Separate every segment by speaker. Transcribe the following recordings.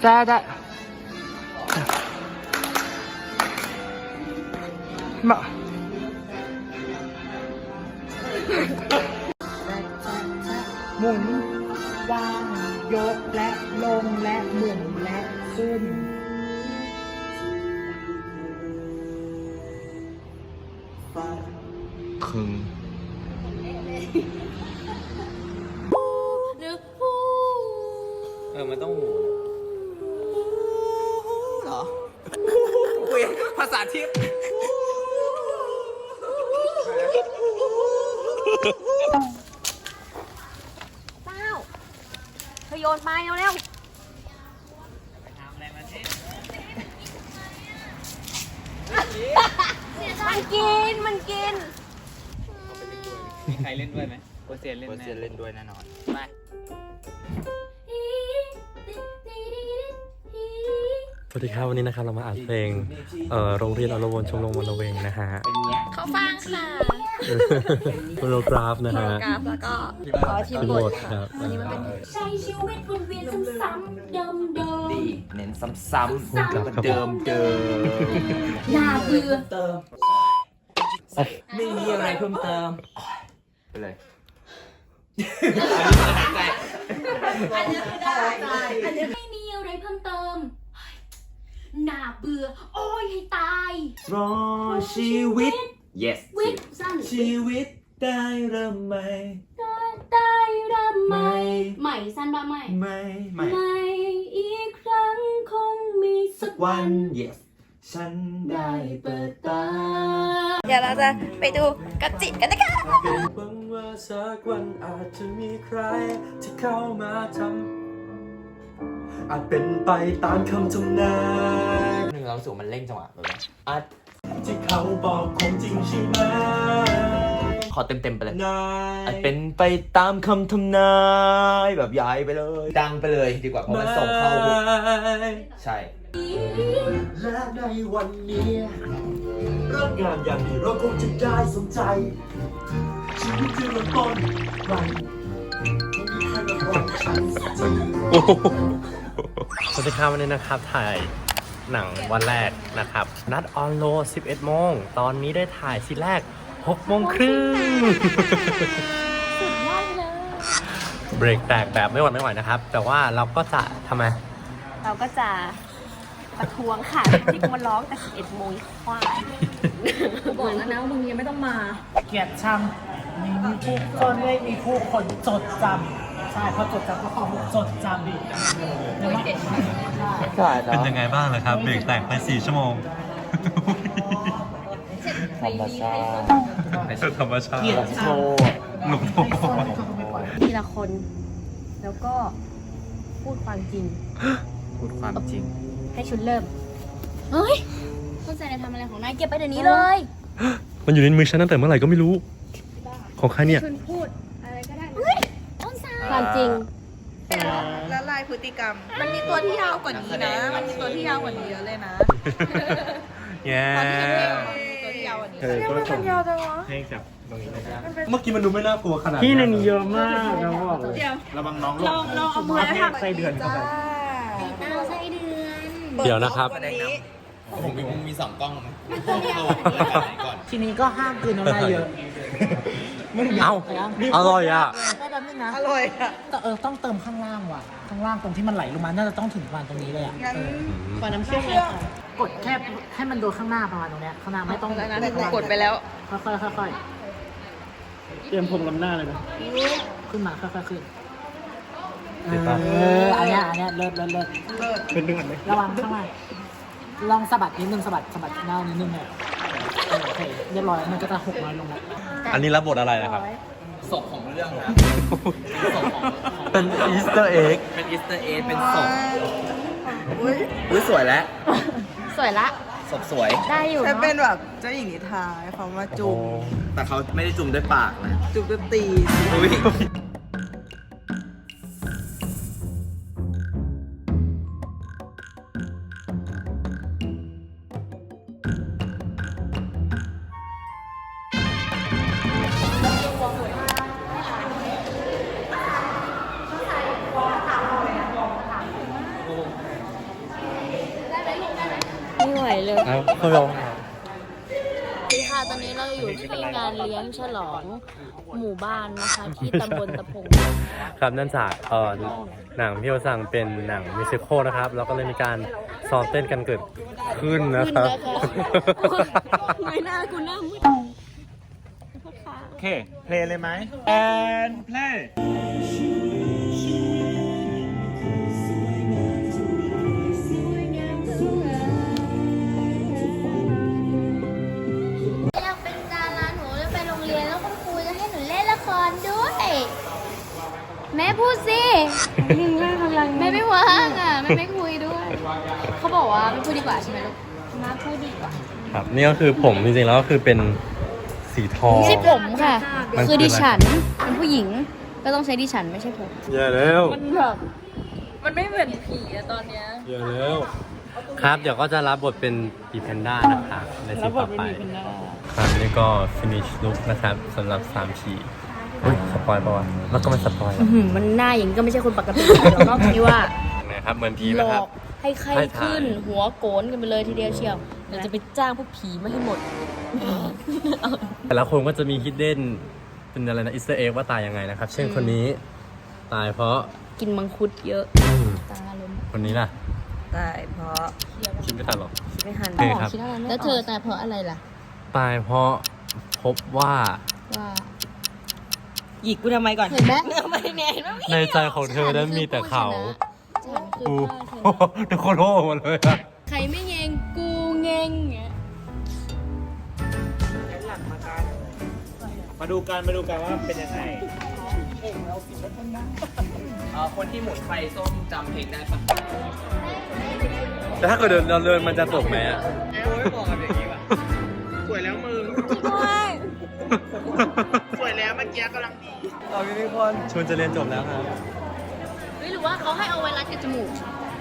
Speaker 1: ได้มาหมุนวางยกและลงและหมุนและขึ้นคึง
Speaker 2: มันต้องหู
Speaker 1: เหรอคุยภาษาทิพย์
Speaker 3: เต้าเธอโยนไปเร็วมันกิน
Speaker 2: ใครเล่นด้วยไหมโอเซียนเล่นเล่นด้วยแน่นอนไป
Speaker 4: สวัสดีครับวันนี้นะครับเรามาอัดเพลงโรงเรียนอรวนชมรมวันละเวงนะฮะ
Speaker 3: เขาฟังค่ะ
Speaker 4: โมโนกราฟนะฮะ
Speaker 3: กราฟแล้วก็ทีม
Speaker 4: ทีม
Speaker 3: โห
Speaker 4: โห
Speaker 3: ม
Speaker 4: ม
Speaker 3: ด
Speaker 4: ดครับ
Speaker 3: วันนี้มันเป็นใช้ชีวิตวนเวียนซ้ำๆเดิม
Speaker 2: ดีเน้นซ้ำๆเดิม
Speaker 3: ๆน่าเบื่อ
Speaker 2: ไม่มีอะไรเพิ่มเติมไปเลย
Speaker 3: ไม่มีอะไรเพิ่มเติมน่าเบื่อโอ้ยให้ตาย
Speaker 2: รอชีวิต yes
Speaker 3: วิตสั้น
Speaker 2: ชีวิตได้เริ่มใหม่
Speaker 3: ได้เริ่มใหม่สั้นบ้างไม่อีกครั้งคงมีสักวัน
Speaker 2: yes ฉันได้เปิดตา
Speaker 3: เดี๋ยวเราจะไปดูกระจิตกันนะคะ
Speaker 4: หวังว่าสักวันอาจจะมีใครที่เข้ามาทำอาจเป็นไปตามคำทำนาย
Speaker 2: หนึ่งเราสูมันเร่งจังหวะแบบอัด
Speaker 4: ที่เขาบอกคงจริงใช่ไหม
Speaker 2: ขอเต็มไปเลย
Speaker 4: นาย
Speaker 2: อาจเป็นไปตามคำทำนายแบบย้ายไปเลย ดังไปเลยดีกว่าเพราะมันส่งเข้าใช่
Speaker 4: และในวันนี้เริ่มงานอย่างนี้เราคงจะได้สนใจชีวิตที่เริ่มต้นใหม่ไม่มีใครมาบอกฉันสักทีสวัสดีครับวันนี้นะครับถ่ายหนังวันแรกนะครับนัดออนโล11 โมงตอนนี้ได้ถ่ายซีนแรก6 โมงครึ่ง
Speaker 3: สุดยอดเลย
Speaker 4: เบรกแตกแบบไม่หวั่นไม่ไหวนะครับ แต่ว่าเราก็จะทำไม
Speaker 3: เราก็จะประท้วงค่ะ ที่กูมาร้องแต่11 โมงควายบอกแล้วนะว่ามึงยังไม่ต้องมา
Speaker 1: เกียรติชังมีผู้คนไม่มีผู้คนจดจำใช่เพราะจดจำก็ความจดจำอีกใช่
Speaker 4: เป็นยังไงบ้างล่ะครับ เบรกแตกไป4 ชั่วโมง
Speaker 2: ธรรมชาติ
Speaker 4: ธรรมชาติ
Speaker 1: เกียรติชัง
Speaker 4: หนุ่ม
Speaker 3: ทีละคน แล้วก็พูดความจริง
Speaker 2: พูดความจริง
Speaker 3: ให้ชุดเริ่ม เฮ้ยเข้าใจในทำอะไรของนายเก็บไปเดี๋ยวนี้เลย
Speaker 4: มันอยู่ในมือฉันตั้งแต่เมื่อไหร่ก็ไม่รู้ ของใครเนี่ย
Speaker 3: ชุนพูดอะไรก็ได้ต้นสายความจริง
Speaker 5: ละลายพฤติกรรม มันมีตัวที่ยาวกว่านี้นะ มันมีตัวที่ยาวกว่านี้เยอะเลยนะ
Speaker 4: แย่
Speaker 5: ตอนที่เพลงออกมามีตัวที่ยาวกว่านี้
Speaker 4: มันยาวจังวะเพลงจับตรงนี้เมื่อกี้มันดูไม่น่ากลัวขนาด
Speaker 1: ที่ในนี้เยอะมากนะบอกเลย
Speaker 4: ระวังน้อง
Speaker 5: ลองเอามือให้ทำ
Speaker 1: ใส่เดือนเข้าไป
Speaker 3: เอาไส้เดือน
Speaker 4: เดี๋ยวนะครับ
Speaker 2: ผมมี2 กล้องนะก่อน
Speaker 1: ทีนี้ก็ห้ามกลืนน้ำลายเยอะ
Speaker 4: เอาอร่อยอ่ะ
Speaker 1: ได้แป๊บนึงนะ
Speaker 5: อร่อยอ่ะ
Speaker 1: แต่ต้องเติมข้างล่างว่ะ ข้างล่างตรงที่มันไหลลงมา น่าจะต้องถึงประมาณตรงนี้เลยอ่ะ
Speaker 5: งั้น
Speaker 1: ขอน้ำเชื่อมเลยค่ะกดแค่ให้มันโดนข้างหน้าประมาณตรงเนี้ย ข้างหน้าไม่ต้อง
Speaker 5: แล้วนะกดไปแล้ว
Speaker 1: ค่อยๆเตรียมผมลำหน้าเลยนะขึ้นมาค่อยๆขึ้นอันเนี้ยเลิศ
Speaker 4: เป็นเดือนไหม
Speaker 1: ระวังข้างล่างลองสะบัดนิดนึงสะบัดหน้านิดนึงเนี่ยโอเคเรียบร้อยมันก็จะ6 น้อยลงแล้ว
Speaker 4: อันนี้รับบทอะไรนะครับ
Speaker 2: ศพของเรื่องนะ
Speaker 4: เป็นอีสเตอร์เอ็ก
Speaker 2: เป็นอีสเตอร์เอสเป็นศพอุ้ยสวยแล้ว
Speaker 3: สวยละ
Speaker 2: ศพสวย
Speaker 3: ได้อยู่
Speaker 5: ฉัน
Speaker 3: เนาะ
Speaker 5: เป็นแบบเจ้าหญิงนิทราเขามาจุ่ม
Speaker 2: แต่เขาไม่ได้จุ่มด้วยปากนะ
Speaker 5: จุ่มด้วยตี
Speaker 2: อุ้ย
Speaker 6: เขาร้อง
Speaker 3: คือค่ะตอนนี้เราอยู่ที่งานเลี้ยงฉลองหมู่บ้านนะคะ ที่ตำบลตะพง
Speaker 6: ครับนั่นจากหนังพี่โอสั่งเป็นหนังมิวสิคลนะครับ แล้วก็เลยมีการซ้อมเต้นกันเกิดขึ้นนะครับ
Speaker 3: เงยหน้ากูหน้ามืด
Speaker 7: โอเค เพลงเลยไหม and play
Speaker 8: อยากเป็นดาราหนูจะไปโรงเรียนแล้วคุณครูจะให้หนูเล่นละครด้วย แม่พูดสิแม่ไม่ว่างอ่ะแม่ไม่คุยด้วย เขาบอกว่าไม่พูดดีกว่าใช่ไหมลูกมาพูดดีกว่า
Speaker 6: ครับนี่ก็คือผมจริงๆแล้วก็คือเป็นสีทอง
Speaker 3: ไม่ใช่ผมค่ะ
Speaker 6: มันคือ
Speaker 3: คือดิฉันเป็นผู้หญิงก็ต้องใช้ดิฉันไม่ใช่ผม
Speaker 6: อย่าแล้ว
Speaker 3: มันแบบมันไม่เหมือนผีอะตอนเนี้ย
Speaker 6: อย่าแล้วครับเดี๋ยวก็จะรับบทเป็นปีแพนด้านะครับในซีนต่อไปครับนี่ก็ finish look นะครับสำหรับ3ฉีอุ้ยสปอยล์ป่าวะแล้วก็ไม่สปอยล์
Speaker 3: มันหน้าอย่างนี้ก็ไม่ใช่คนปกติหรอกนอกจากที่ว่า
Speaker 6: นะครับเหมือนผีไห
Speaker 3: ห
Speaker 6: ม
Speaker 3: ล
Speaker 6: ค
Speaker 3: อ
Speaker 6: รับ
Speaker 3: กให้ไข้ขึ้น หัวโกนกันไปเลยทีเดียวเชียวเดี๋ยวจะไปจ้างพวกผีมาให้หมด
Speaker 6: แต่ละคนก็จะมีฮิดเด้นเป็นอะไรนะอิสเตอร์เอ็กว่าตายยังไงนะครับ เช่นคนนี้ตายเพราะ
Speaker 3: กินมังคุดเยอะตาล้ม
Speaker 6: คนนี้ล่ะ
Speaker 5: ตายเพราะ
Speaker 6: คิดไม่ทันหรอก
Speaker 5: คิดไม่ทัน
Speaker 6: โอเคครับ
Speaker 3: แล้วเธอตายเพราะอะไรล่ะ
Speaker 6: ตายเพราะพบว่า
Speaker 3: ว่า
Speaker 5: หยิกกูทำไมก่อน
Speaker 3: เห็นไหม
Speaker 5: ไม่เนี่ยเห็นไหม
Speaker 6: ในใจของเธอนั้นมีแต่เขา
Speaker 3: ฉันคือ
Speaker 6: กู
Speaker 3: พ่อชนะ
Speaker 6: ทุกคนโห่หมดเลยอะ
Speaker 3: ใครไม่เงงกูเงงเงี้ย
Speaker 7: มาดูกันว่าเป็นยังไง
Speaker 2: คนที่หมุนไฟส้มจำเพลงได้ปะ
Speaker 6: แต่ถ้าเกิดเราเดินมันจะตกไหมอะ
Speaker 7: โอ้ยบอกกันอย่างนี้ว่ะสวยแล้วมึง สวยแล้วเมื่อกี้กำลังดี
Speaker 6: เอาทุกคนชวนจะเรียนจบแล้วครับ
Speaker 3: เฮ้ยหรือว่าเขาให้เอาไว้รัดกับจมูก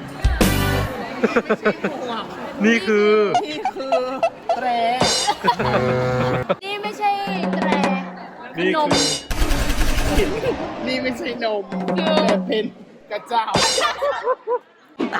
Speaker 6: นี่คือ
Speaker 1: แตร
Speaker 3: นี่ไม่ใช่แตร
Speaker 6: นี่
Speaker 3: นม
Speaker 1: นี่ไม่ใช่นมแต่เป็นกระเจ้า
Speaker 5: ต่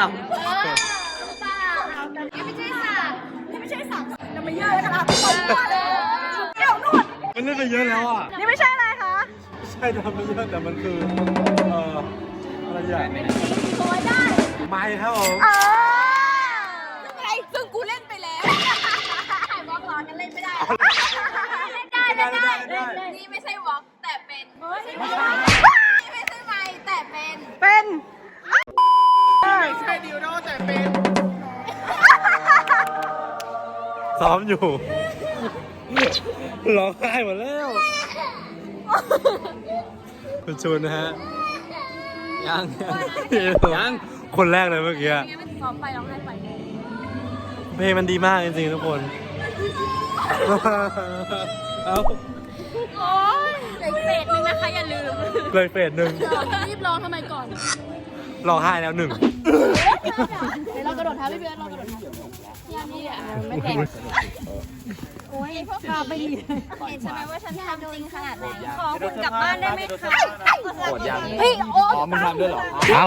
Speaker 3: นี่ไม่ใช่สัตว์
Speaker 5: ำไม่ใช่สัตว์จะมาเยอะขนาดนี้เดี๋ยวนู่น
Speaker 6: มันเล่นไปเยอะแล้วอ่ะ
Speaker 5: นี่ไม่ใช่อะไรคะ
Speaker 6: ใช่ทำไปเยอะแต่มันคืออะไรอย่าง
Speaker 5: ตัวได้
Speaker 6: ไม่ครับผม
Speaker 5: ซึ่งอะไรซึ่งกูเล่นไปแล้ววอล์กร้อนกันเล่นไม่ได้เล่นได้นี่ไม่ใช่วอล์กแต่เป็นนี่ไม่ใช่ไมค์แต่เป็น
Speaker 7: ไม่ใช่ดิวโดแต่เป็น
Speaker 6: ซ้อมอยู่ ร้องไห้หมดแล้วคุณชูนนะฮะ ยังคนแรกเลยเมื่อกี้
Speaker 3: ซ้อมไปร้องไห้ไป
Speaker 6: เพลงมันดีมากจริงๆทุกคน เอา
Speaker 3: โอ๊ยเหลือเฟสนึงนะคะอย่าลืม
Speaker 6: เลยเฟสหนึ่ง
Speaker 3: รีบร้องทำไมก่อน
Speaker 6: ร้องไห้แล้วหนึ่ง
Speaker 3: เดี๋ยวเรากระโดดเท้าพี่เบิร์ดเรากระโดดเท้าอย่างนี้อ่ะไม่แต่งโอ้ยพาไปดี
Speaker 8: เห็นใช่ไหมว่าฉันทำจริงขนาดไหนขอคุณกลับบ้านได้ไหมคะ
Speaker 2: กดยัง
Speaker 3: เฮ้ยโอ๊ย
Speaker 2: อ๋อมึงทำด้วยเหรอ
Speaker 6: เอา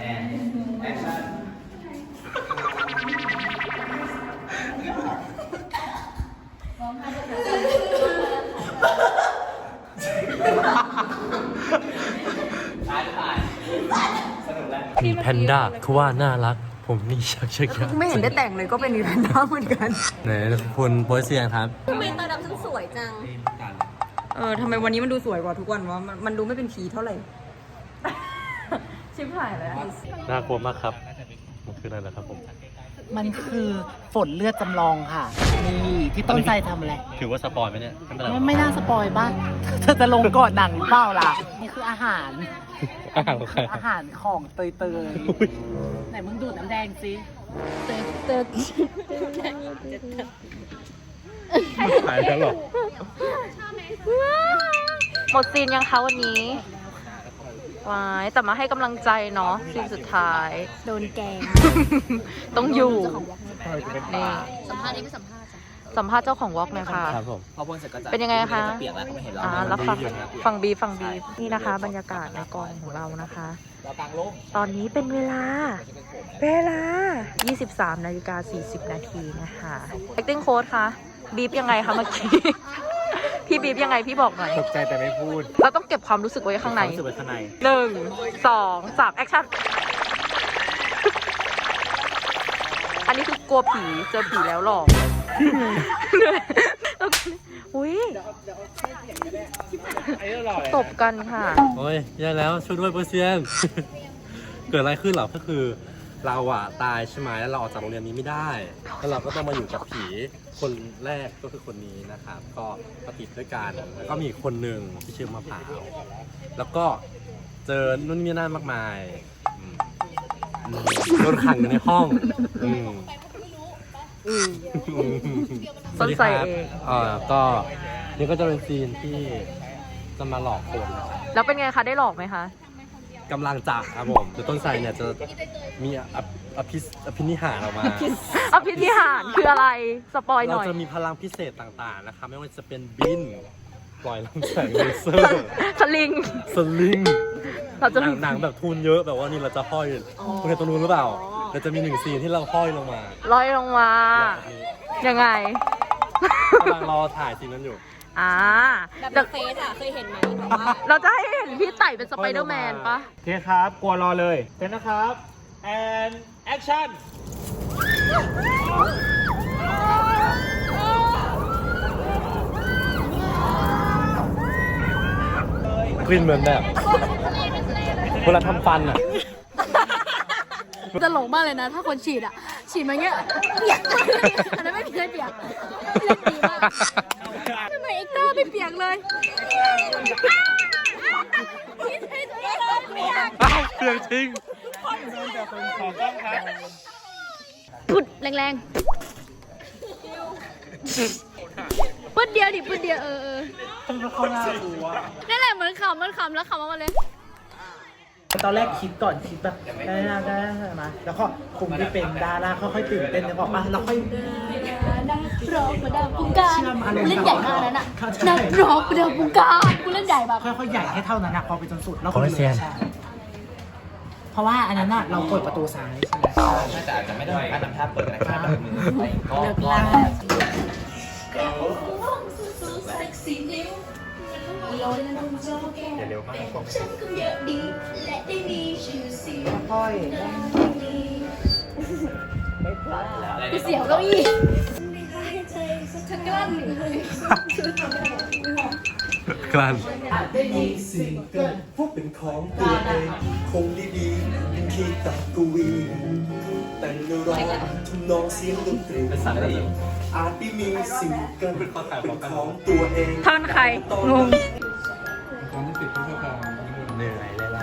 Speaker 6: มีแพนด้าคือว่าน่ารัก ผมนี่ชักชัก
Speaker 5: ไม่เห็นได้แต่งเลยก็เป็นอีแพนด้าเหมือนกัน
Speaker 6: ไหนคุณโพสเซียงครับ
Speaker 5: ทำไมตาดำฉันสวยจังทำไมวันนี้มันดูสวยกว่าทุกวันวะมันดูไม่เป็นผีเท่าไหร่ ชิบหายแล้ว
Speaker 6: น่ากลัวมากครับ มันคืออะไรล่ะครับผม
Speaker 1: มันคือฝนเลือดจำลองค่ะ นี่ที่ต้นใจทำอะไร
Speaker 6: ถือว่าสปอยไหมเนี่ยไม่เป็นไร
Speaker 1: ไม่น่าสปอยบ้างเธอจะลงก่อนหนังเปล่าล่ะ นี่คืออาหาร
Speaker 6: อ้าวใคร
Speaker 1: อาหารของเตย
Speaker 6: อุ๊ย
Speaker 1: ๆไหนมึงดูดน้ำแดงสิ
Speaker 6: หายแล้วหรอ
Speaker 5: หมดซีนยังคะวันนี้วายแต่มาให้กำลังใจเนาะซีนสุดท้าย
Speaker 3: โดนแกง
Speaker 5: ต้องอยู่ นี่
Speaker 3: สัมภาษณ์นี่ไม่สัมภาษณ์
Speaker 5: สัมภาษณ์เจ้าของวอล์กหน่อยค่ะ
Speaker 6: ครับผม
Speaker 2: พอพ่นเสร็จก็จะ
Speaker 5: เป็นยังไงคะ
Speaker 2: เปียกแล้วก็ไม่เห็นเรา
Speaker 5: แล้วฟังบีนี่นะคะ บรรยากาศในกองของเรานะคะ
Speaker 2: เรากลางร่ม
Speaker 9: ตอนนี้เป็นเวลา 23:40 นาทีนะคะ acting coach คะบีบยังไงคะเมื่อกี้ พี่บีบยังไงพี่บอกหน่อย
Speaker 7: ตกใจแต่ไม่พูด
Speaker 9: เราต้องเก็บความรู้สึกไว้ข้างใน
Speaker 7: รู้สึกไว้ข้างใน
Speaker 9: 1 2 3 action อันนี้คือกลัวผีเจอผีแล้วหรอกอุ้ยตบกันค่ะ
Speaker 6: โอ้ยแย่แล้วช่วยด้วยเปอร์เซียน เกิดอะไรขึ้นเหรอก็คือเราอะตายใช่ไหมแล้วเราออกจากโรงเรียนนี้ไม่ได้แล้วเราก็ต้องมาอยู่กับผีคนแรกก็คือคนนี้นะครับ ก็มาติดด้วยกันแล้วก็มีอีกคนหนึ่งที่ชื่อมะพร้าวแล้วก็เจอนู่นนี่นั่นมากมายโดนขังอยู่ในห้อง
Speaker 9: ต้นใส่เอง
Speaker 6: ก็นี่ก็จะเป็นซีนที่จะมาหลอกคนนะครับ
Speaker 9: แล้วเป็นไงคะได้หลอกไหมคะ
Speaker 6: กำลังจะครับผมแต่ต้นไทรเนี่ยจะมีอภินิหารออกมา
Speaker 9: อภินิหารคืออะไรสปอยห
Speaker 6: เรา
Speaker 9: น่อย
Speaker 6: จะมีพลังพิเศษต่างๆนะคะไม่ว่าจะเป็นบินปล่อยลำแสงเลเซอร์
Speaker 9: สลิง
Speaker 6: สลิง
Speaker 9: เราจะ
Speaker 6: หนังแบบทุนเยอะแบบว่านี่เราจะห้อยคุณเห็นตรงนู้นหรือเปล่าเราจะมี1 ซีนที่เราห้อยลงมา
Speaker 9: ลอยลงมา ยังไง
Speaker 6: กำลังรอถ่ายซีนนั้นอยู่
Speaker 3: แบบเฟซอะเคยเห็นไหมแต่ว่า
Speaker 9: เราจะให้เห็นพี่ไต่เป็นสไปเดอร์แมนปะ
Speaker 7: โอเคครับ กลัวรอเลยเต้นนะครับ and action
Speaker 6: กลิ่นเหมือนแบบเวลาทำฟันอ่ะ
Speaker 3: ตลกมากเลยนะ ถ้าคนฉีดอะฉีดมาเงี้ยเปียกอันนั้นไม่มีใครเปียกเล่นดีมากทำไมเอ็กเตอร์ไม่เปียกเลยพี่เท่เปียก
Speaker 6: อ้าวเปลืองจริง
Speaker 3: พุดแรงๆพุดเดียวดิพุดเดียวนั่นแหละเหมือนขำแล้วขำออกมาเลย
Speaker 1: ตอนแรกคิดก่อนคิดแบบได้ไหมแล้วก็คุมที่เป็นดาราค่อยๆตื่นเต้นแล้วบอกว่าเราค่อย
Speaker 3: ร้องประดับวงการกูเล่นใหญ่มากนั้นอ่ะนักร้องประดับวงการกูเล่นใหญ่แบบ
Speaker 1: ค่อยๆใหญ่ให้เท่านั้นนะพอไปจนสุดแล้วก็เลยใช่เพราะว่าอันนั้นน่ะเราเปิดประตูซ้ายใช่ไหม
Speaker 2: น่าจะอาจจะไม่ได้การทำท่าเปิดนะครับแบบมือไปก็
Speaker 1: เลิกล่า
Speaker 6: อย่าเร็วมาก
Speaker 1: ค่อย
Speaker 3: เสียวเก้าอี้ฉันกลั้น
Speaker 6: กลั้น
Speaker 4: ได้ยินเสียงเกินพวกเป็นของตัวเองคงดีๆยังคิดตัดกวีแต่งเนื้อร้องทำนองเสียงดนตรี
Speaker 6: เป็นสัตว์ได้ยิน
Speaker 4: อาจไม่มีสิ่งเกินเป็นของตัวเอง
Speaker 9: ท่อนใคร งง
Speaker 6: เหนื่อยเลยแล้ว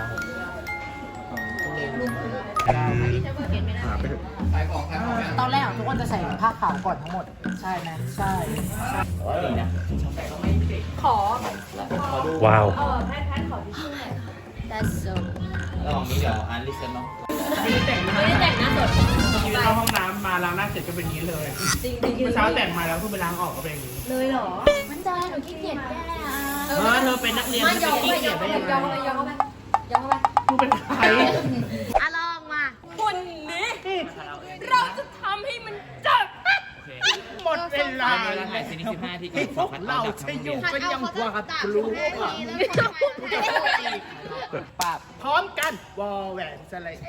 Speaker 1: ตอนแรกทุกคนจะใส่ผ้าขาวก่อนทั้งหมดใช่ไหมใช่
Speaker 6: ว้าว
Speaker 3: That's so
Speaker 2: ระหว่างนี้เดี๋ยวอันลิเซนเนาะ
Speaker 3: ไม่ได้แต่งหน้าสด
Speaker 1: ยืนเข้าห้องน้ำมาล้างหน้าเสร็จก็เป็นอย่างนี้เลยเมื่อเช้าแต่งมาแล้วเพิ่งไปล้างออกก็เป็นอย่างนี้
Speaker 3: เลยเหรอ มันได้หนูขี้เกียจแก้อ่ะ
Speaker 1: เธอเป็นนักเรียน
Speaker 3: ไม่
Speaker 1: เธ
Speaker 3: ย
Speaker 1: อ
Speaker 3: อม
Speaker 1: ขี้
Speaker 3: ไปย
Speaker 1: เกี
Speaker 3: อย
Speaker 1: จ
Speaker 3: ม
Speaker 1: ได้
Speaker 3: ไป
Speaker 1: ยังไง
Speaker 3: ยอมไปยอมไป
Speaker 1: มึงเป็นใคร
Speaker 3: อ่ะลองมาคนนี้เราจะทำให้มันจับ
Speaker 1: หมดเวลา
Speaker 2: เวลาถ่ายซีนนี้15 นาทีก่
Speaker 1: ที่
Speaker 2: อน
Speaker 1: พวกเราจะอยู่กันยังกว่าครู
Speaker 2: ป้าบ
Speaker 1: พร้อมกันวอแหวนสไลด์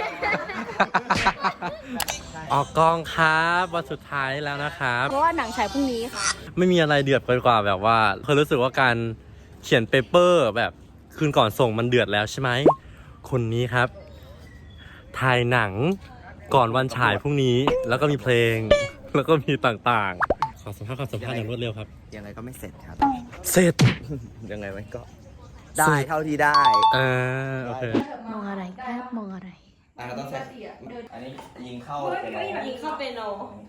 Speaker 6: ออกกองครับวันสุดท้ายแล้วนะครับ
Speaker 3: เพราะว่าหนังฉายพรุ่งนี้ค่ะ
Speaker 6: ไม่มีอะไรเดือดไปกว่าแบบว่าเคยรู้สึกว่าการเขียนเปเปอร์แบบคืนก่อนส่งมันเดือดแล้วใช่ไหมคนนี้ครับถ่ายหนังก่อนวันฉายพรุ่งนี้แล้วก็มีเพลงแล้วก็มีต่างๆขอสัมภาษณ์อย่างรวดเร็วครับ
Speaker 2: ยังไงก็ไม่เสร็จครับ
Speaker 6: เสร็จ
Speaker 2: ยังไงมันก็ได้เท่าที่ได้
Speaker 6: โอเค
Speaker 3: มองอะไรครับมองอะไร
Speaker 2: เราต้องใช้อันนี้ยิงเข้าไปนอน
Speaker 3: ยิงเข้าเปโน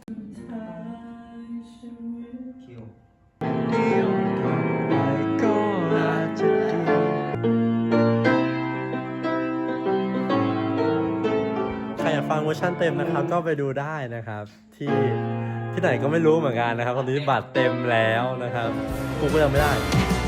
Speaker 2: คิว
Speaker 6: ใครอยากฟังเวอร์ชันเต็มนะครับ ก็ไปดูได้นะครับ ที่ไหนก็ไม่รู้เหมือนกันนะครับตอนนี้บัตรเต็มแล้วนะครับกูก็ยังไม่ได้